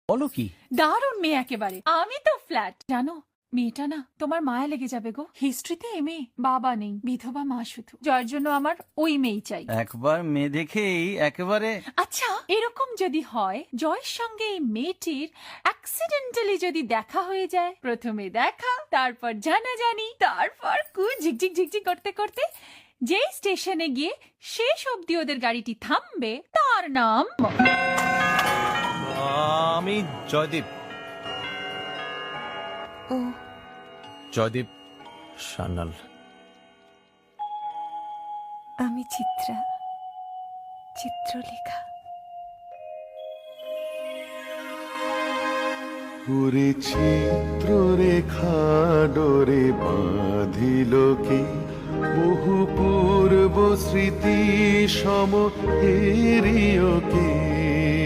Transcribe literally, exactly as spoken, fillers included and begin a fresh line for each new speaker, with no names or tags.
বলো কি?
দারুণ মেয়ে একেবারে। আমি তো ফ্ল্যাট জানো, মেয়েটা না তোমার মায়া লেগে যাবে গো। হিস্ট্রিতে এমএ, বাবা নেই, বিধবা মা শুধু, যার জন্য আমার ওই মেয়ে চাই।
একবার মেয়ে দেখেই একেবারে।
আচ্ছা, এরকম যদি হয় জয়ের সঙ্গে এই মেয়েটির অ্যাক্সিডেন্টালি যদি দেখা হয়ে যায়, প্রথমে দেখা, তারপর জানাজানি, তারপর কু ঝিকঝিক ঝিকঝিক করতে করতে যেই স্টেশনে গিয়ে শেষ অবধি ওদের গাড়িটি থামবে, তার নাম
আমি জয়দীপ।
ও
জয়দীপ সান্যাল।
আমি চিত্রা, চিত্রলেখা।
ওরে চিত্ররেখা ডোরে বাঁধিল কে, বহু পূর্ব স্মৃতি সম হেরিও কে।